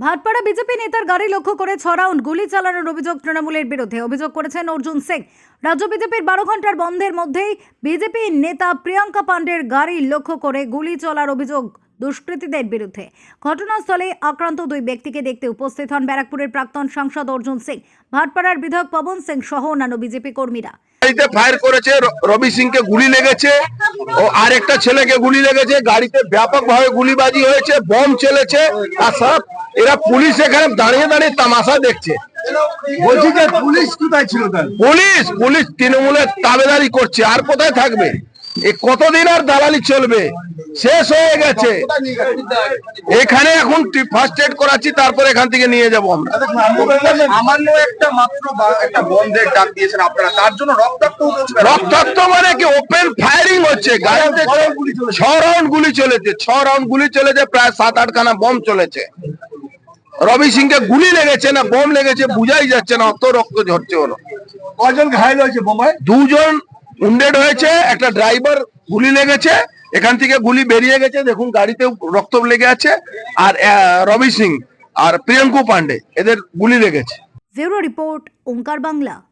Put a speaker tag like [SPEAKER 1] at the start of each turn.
[SPEAKER 1] Bhatpara BJP নেতার গাড়ি লক্ষ্য করে 6 রাউন্ড গুলি চালানোর অভিযোগ তৃণমূলের বিরুদ্ধে। অভিযোগ করেছেন অর্জুন সিং। রাজ্য বিজেপির 12 ঘন্টার বন্ধের মধ্যেই বিজেপি নেতা প্রিয়াঙ্কা পাণ্ডের গাড়ি লক্ষ্য করে গুলি চলার অভিযোগ দুষ্কৃতীদের বিরুদ্ধে। ঘটনাস্থলে আক্রান্ত দুই ব্যক্তিকে দেখতে উপস্থিত হন ব্যারাকপুরের প্রাক্তন সাংসদ অর্জুন সিং, ভাটপাড়ার বিধায়ক পবন সিং সহ অন্যান্য বিজেপি কর্মীরা।
[SPEAKER 2] গাড়িতে ফায়ার করেছে, রবি সিংকে গুলি লেগেছে ও আরেকটা ছেলেকে গুলি লেগেছে। গাড়িতে ব্যাপকভাবে গুলিবাজি হয়েছে, বম চলেছে। আর সব এরা পুলিশ এখানে দাঁড়িয়ে দাঁড়িয়ে তামাশা দেখছে।
[SPEAKER 3] বলছি যে পুলিশ কোথায় ছিল?
[SPEAKER 2] পুলিশ তৃণমূলের তাবেদারি করছে, আর কোথায় থাকবে? কতদিন আর দালালি চলবে? শেষ হয়ে গেছে। এখানে এখন ফার্স্ট এড করাচ্ছি, তারপর এখান থেকে নিয়ে যাবো আমরা।
[SPEAKER 3] সামান্য একটা মাত্র একটা বন্ধের ডাক দিয়েছেন আপনারা, তার জন্য
[SPEAKER 2] রক্তাক্ত মানে কি? ওপেন ফায়ারিং হচ্ছে। গাড়িতে 6 রাউন্ড গুলি চলেছে, 6 রাউন্ড গুলি চলেছে, প্রায় 7-8 খানা বম চলেছে। রবি সিংকে গুলি লেগেছে না বম লেগেছে বুঝাই যাচ্ছে না, অত রক্ত ঝরছে। হলো
[SPEAKER 3] কজন ঘায়ল হয়েছে? বোমায়
[SPEAKER 2] 2 জন উন্ডেড হয়েছে, একটা ড্রাইভার গুলি লেগেছে, এখান থেকে গুলি বেরিয়ে গেছে, দেখুন গাড়িতে রক্ত লেগে আছে। আর রবি সিং আর প্রিয়াঙ্কু পান্ডে এদের গুলি লেগেছে।
[SPEAKER 1] Bureau report, Onkar Bangla.